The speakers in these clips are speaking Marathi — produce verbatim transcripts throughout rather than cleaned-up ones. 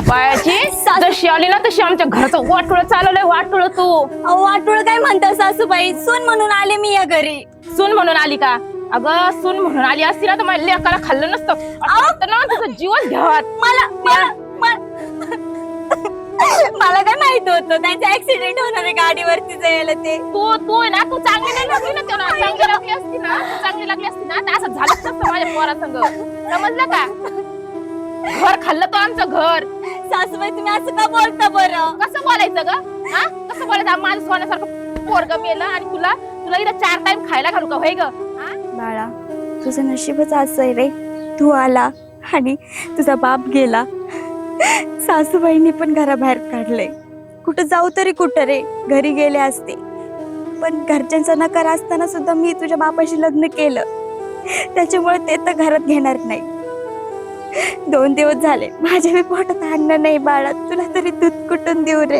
बायाची जशी आली ना तशी आमच्या घरचं वाटोळ चालवलंय वाटोळ तू. अहो वाटोळ काय म्हणता सासूबाई, सून म्हणून आले मी या घरी. सून म्हणून आली का? अगं सून म्हणून आली असती ना तर माझ्या लेकाला खाल्लं नसतं. असं वाटतं ना तुझं जीवच घ्यावा. मला मला मला- मला काय माहित होतं त्यांचा ऍक्सिडेंट होणार आहे गाडीवरती जायला ते. तू तू आहे ना तू चांगली नाही लागली ना तेव्हा चांगली लागली असती ना तू चांगली लागली असती ना तर असं झालंच नसतं माझ्या पोरासंग. समजलं का? घर खाल्लं तो आमचं घर. सासूबाई तुम्ही असं का बोलता बरं? कसं बोलायचं ग? हा कसं बोलायचं? माझं सोन्यासारखं पोरग मेलं आणि तुला तुला इथं चार टाइम खायला घालू का होय ग? बाळा तुझं नशीबच असं आहे रे, तू आला आणि तुझा बाप गेला. सासूबाईंनी पण घराबाहेर काढलंय. कुठं जाऊ तरी कुठं रे, घरी गेले असते. पण घरच्यांचा नकार असताना सुद्धा मी तुझ्या बापाशी लग्न केलं, त्याच्यामुळे ते तर घरात घेणार नाही. दोन दिवस झाले माझ्या मी पोटात अन्न नाही बाळा, तुला तरी दूध कुठून देऊ रे?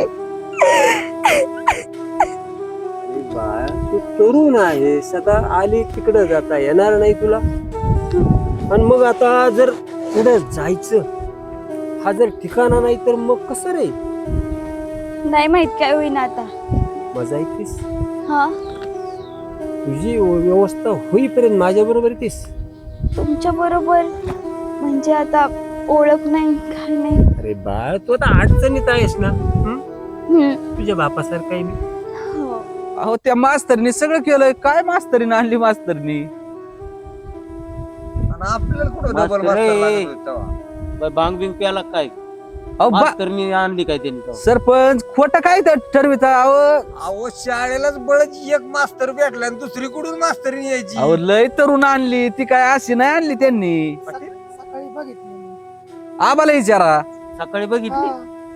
बाळ तू तरुण आहे, सदा आली तिकडं जाता येणार नाही तुला. आणि मग आता जर पुढे जायचं हा जर ठिकाणा नाही तर मग कसं रे? नाही माहित काय होईना आता. मजा येतेस हा तुझी व्यवस्था होईपर्यंत माझ्या बरोबर येतेस. तुमच्या बरोबर म्हणजे आता ओळख नाही काय नाही. अरे बाळ तू आता अडचणीत आहेस ना. हं? हम्म. तुझ्या बापासारखं आहे मी. हो. अहो त्या मास्तरनी सगळं केलंय. काय मास्तरीने आणली मास्तरनी? आणि आपल्याला कुठं डबल मास्तर रे. मास्तर लागत होतं तेव्हा. बाय भांग बिंग प्याला काय? अहो बा- मास्तरनी आणली काय त्यांनी तेव्हा? सरपंच खोटं काय तर ठरविता? अहो अहो शाळेलाच बळच एक मास्तर भेटला आणि दुसरी कुठून मास्तरी यायची. अहो लय तरुण आणली ती, काय अशी नाही आणली त्यांनी. सकाळी बघितली आबाला विचारा, सकाळी बघितली.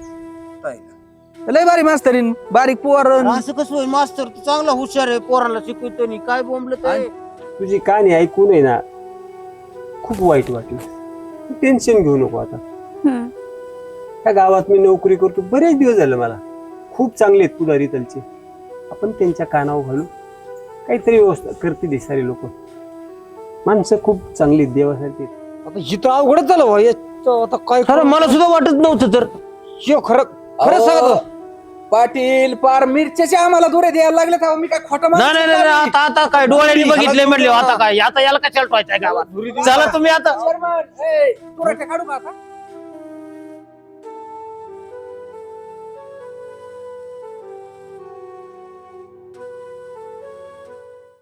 लय बारी मास्तरीन, बारीक पोर. असं कसं होईल? मास्तर तू चांगला हुशार आहे, पोराला शिकवतो नी काय बोंबलं ते. तुझी कहाणी ऐकून आहे ना खूप वाईट वाटलं. तू टेन्शन घेऊ नको आता. हम्म. त्या गावात मी नोकरी करतो बरेच दिवस झाले मला. खूप चांगले आहेत पुढारी त्यांचे. आपण त्यांच्या कानावर घालू, काहीतरी व्यवस्था करते सारे लोक. माणसं खूप चांगली आहेत, देवासारखी आहेत. आता हिथं अवघडच झालं भाऊ. याचं आता काय खरं मला सुद्धा वाटत नव्हतं तर. शिव खरं खरं सांगतो. पाटील पार मिरच्याचे आम्हाला दुरे द्यायला लागले तेव्हा मी काय खोटं नाही माणूस नाही नाही नाही. आता आता काय डोळ्यांनी बघितले म्हणले आता काय आता याला कशाला ठेवायचंय गावात? चला तुम्ही आता चेअरमन, ए, तुरट्या काढू का आता?